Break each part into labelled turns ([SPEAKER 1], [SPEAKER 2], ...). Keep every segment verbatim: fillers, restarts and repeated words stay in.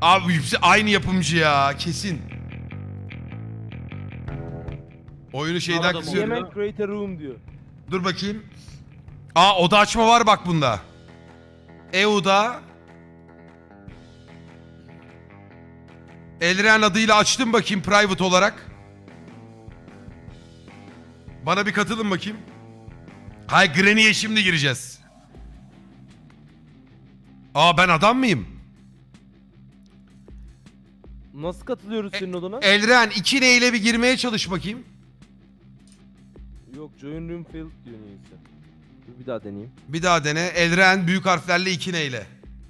[SPEAKER 1] Abi yüksek aynı yapımcı ya kesin. Oyunu şeyden
[SPEAKER 2] Arada
[SPEAKER 1] kızıyorum.
[SPEAKER 2] mı?
[SPEAKER 3] Yemen create a room diyor.
[SPEAKER 1] Dur bakayım. Aa oda açma var bak bunda. E U'da. Elren adıyla açtım bakayım private olarak. Bana bir katılın bakayım. Hay Granny'e şimdi gireceğiz. Aa ben adam mıyım?
[SPEAKER 3] Nasıl katılıyoruz senin odana?
[SPEAKER 1] Elren iki neyle bir girmeye çalış bakayım.
[SPEAKER 3] Yok join room failed diyor neyse. Dur bir daha deneyeyim.
[SPEAKER 1] Bir daha dene. Elren büyük harflerle iki neyle.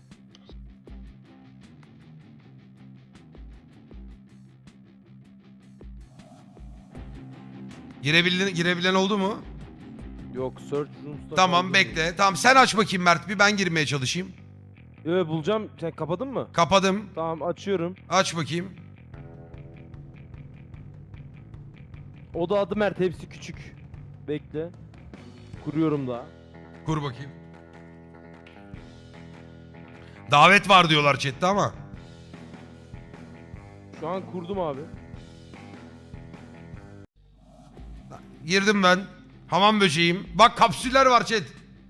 [SPEAKER 1] Girebilen, girebilen oldu mu?
[SPEAKER 3] Yok search rooms'ta
[SPEAKER 1] Tamam
[SPEAKER 3] kaldı
[SPEAKER 1] bekle.
[SPEAKER 3] diyor.
[SPEAKER 1] Tamam sen aç bakayım Mert bir ben girmeye çalışayım.
[SPEAKER 3] Yo bulacağım. Sen kapadın mı?
[SPEAKER 1] Kapadım.
[SPEAKER 3] Tamam açıyorum.
[SPEAKER 1] Aç bakayım.
[SPEAKER 3] Oda adı Mert hepsi küçük. Bekle. Kuruyorum daha.
[SPEAKER 1] Kur bakayım. Davet var diyorlar chatte ama.
[SPEAKER 3] Şu an kurdum abi.
[SPEAKER 1] Girdim ben. Hamam böceğim. Bak kapsüller var chat.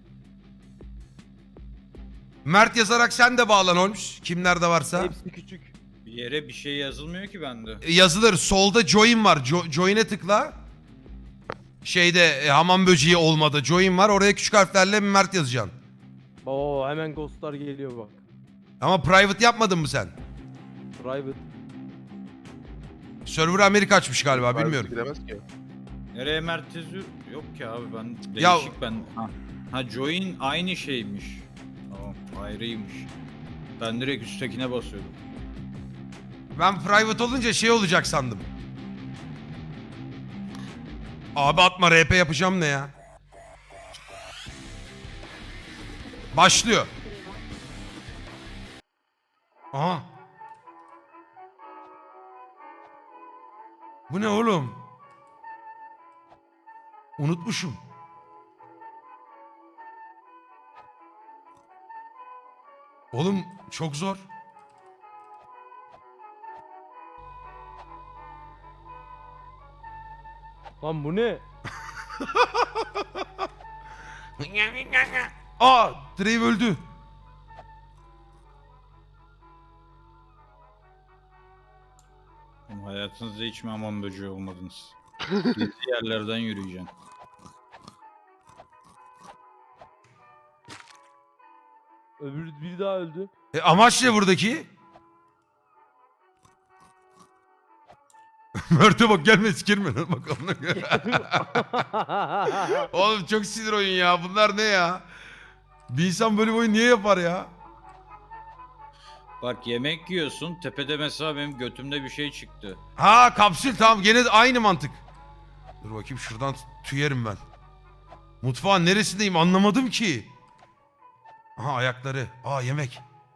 [SPEAKER 1] Mert yazarak sen de bağlan olmuş. Kimlerde varsa.
[SPEAKER 3] Hepsi küçük.
[SPEAKER 2] Bir yere bir şey yazılmıyor ki bende.
[SPEAKER 1] E, Yazılır. Solda join var. Jo join'e tıkla. Şeyde e, hamam böceği olmadı. Join var. Oraya küçük harflerle Mert yazacaksın.
[SPEAKER 3] Oo hemen ghostlar geliyor bak.
[SPEAKER 1] Ama private yapmadın mı sen?
[SPEAKER 3] Private.
[SPEAKER 1] Server Amerika açmış galiba bilmiyorum.
[SPEAKER 4] Giremez ki.
[SPEAKER 2] Nereye merkezi yok ki abi ben değişik
[SPEAKER 1] Ya-
[SPEAKER 2] ben. Ha. ha join aynı şeymiş. Tamam ayrıymış. Ben direkt üsttekine basıyordum.
[SPEAKER 1] Ben private olunca şey olacak sandım. Abi atma R P yapacağım ne ya? Başlıyor. Aha. Bu ne oğlum? Unutmuşum. Oğlum çok zor.
[SPEAKER 3] Lan bu ne?
[SPEAKER 1] Aa, Drake öldü.
[SPEAKER 2] Oğlum hayatınızda hiç mi hamam böceği olmadınız? Gizli yerlerden yürüyeceksin.
[SPEAKER 3] Öbür biri daha öldü.
[SPEAKER 1] E, amaç ne buradaki? Mert'e bak gelme sikirme lan bak ona göre. Oğlum çok sinir oyun ya. Bunlar ne ya? Bir insan böyle bir oyun niye yapar ya?
[SPEAKER 2] Bak yemek yiyorsun tepede mesela benim götümde bir şey çıktı.
[SPEAKER 1] Ha kapsül tamam gene de aynı mantık. Dur bakayım şuradan tüyerim ben. Mutfağın neresindeyim anlamadım ki. Aha ayakları. Aa yemek.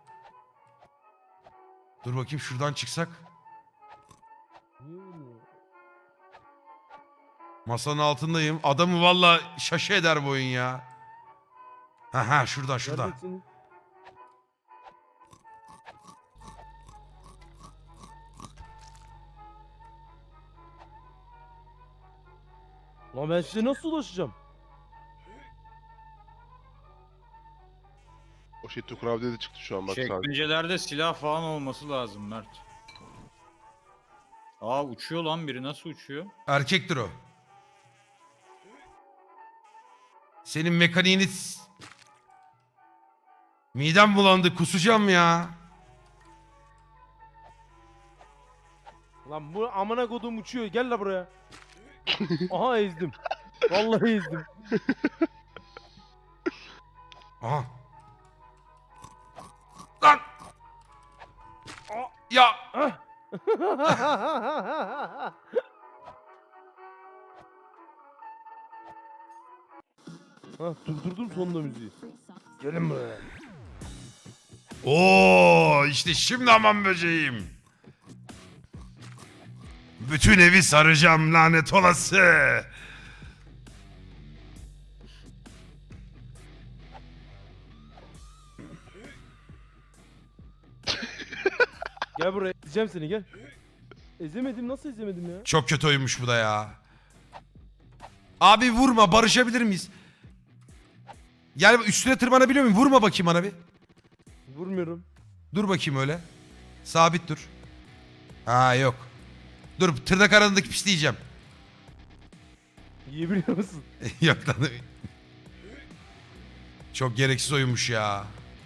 [SPEAKER 1] Dur bakayım şuradan çıksak.
[SPEAKER 3] Niye ölmüyor?
[SPEAKER 1] Masanın altındayım. Adamı valla şaşı eder bu oyun ya. Ha ha şuradan şuradan.
[SPEAKER 3] Neredesin? Lan ben size nasıl ulaşacağım?
[SPEAKER 4] O şey Tukurab'da de çıktı şu an bak sağ.
[SPEAKER 2] Çekmecelerde silah falan olması lazım Mert. Aa uçuyor lan biri nasıl uçuyor?
[SPEAKER 1] Erkektir o. Senin mekaniğini... s- Midem bulandı kusacağım ya.
[SPEAKER 3] Lan bu amına kodum uçuyor. Gel la buraya. Aha ezdim. Vallahi ezdim.
[SPEAKER 1] Aha. Lan! Ya!
[SPEAKER 3] Ha durdurdum sonunda müziği. Gelin buraya.
[SPEAKER 1] Oo işte şimdi aman böceğim. Bütün evi saracağım lanet olası.
[SPEAKER 3] Gel buraya ezeceğim seni gel. Ezemedim nasıl ezemedim ya?
[SPEAKER 1] Çok kötü oyunmuş bu da ya. Abi vurma, barışabilir miyiz? Gel üstüne tırmanabiliyor muyum? Vurma bakayım bana bir.
[SPEAKER 3] Vurmuyorum.
[SPEAKER 1] Dur bakayım öyle. Sabit dur. Ha yok. Dur tırnak arasındaki pisleyeceğim.
[SPEAKER 3] Yiyebiliyor musun?
[SPEAKER 1] Yok lan. Çok gereksiz oyunmuş ya.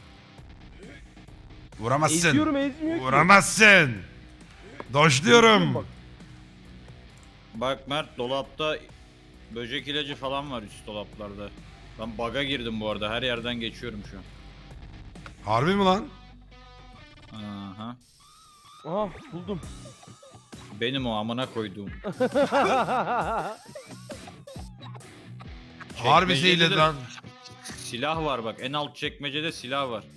[SPEAKER 1] Vuramazsın.
[SPEAKER 3] Eziyorum ezmiyor ki.
[SPEAKER 1] Vuramazsın.
[SPEAKER 3] Eziyorum
[SPEAKER 1] Dojluyorum.
[SPEAKER 3] bak.
[SPEAKER 2] Bak Mert, dolapta böcek ilacı falan var üst dolaplarda. Ben bug'a girdim bu arada. Her yerden geçiyorum şu an.
[SPEAKER 1] Harbi mi lan?
[SPEAKER 2] Aha.
[SPEAKER 3] Aha buldum.
[SPEAKER 2] Benim o amına koyduğum.
[SPEAKER 1] Harbi
[SPEAKER 2] Çekmecede
[SPEAKER 1] zehirledi
[SPEAKER 2] de
[SPEAKER 1] lan.
[SPEAKER 2] Silah var bak. En alt çekmecede silah var.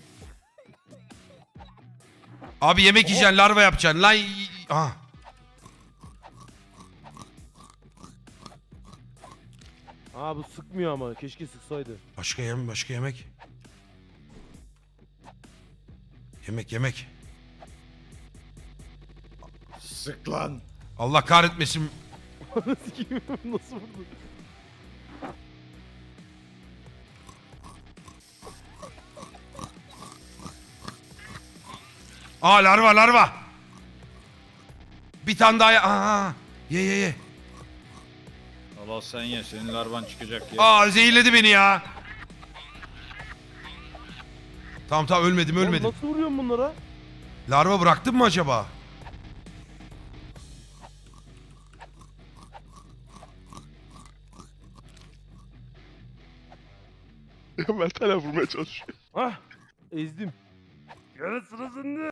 [SPEAKER 1] Abi yemek yiyeceksin, larva yapacaksın. Lan y- aha.
[SPEAKER 3] Aa bu sıkmıyor ama keşke sıksaydı.
[SPEAKER 1] Başka yem, başka yemek. Yemek, yemek.
[SPEAKER 2] Sık lan.
[SPEAKER 1] Allah kahretmesin.
[SPEAKER 3] Sikeyim, nasıl vurdu?
[SPEAKER 1] Aa larva, larva. Bir tane daha ye. Aa, ye ye ye.
[SPEAKER 2] Allah sen ye. Senin larvan çıkacak ya.
[SPEAKER 1] Aa zehirledi beni ya. Tamam tamam ölmedim
[SPEAKER 3] Oğlum
[SPEAKER 1] ölmedim.
[SPEAKER 3] nasıl vuruyorsun bunlara?
[SPEAKER 1] Larva bıraktın mı acaba?
[SPEAKER 4] Mert hala vurmaya çalışıyor.
[SPEAKER 3] Ah ezdim. Yarı sıra sende.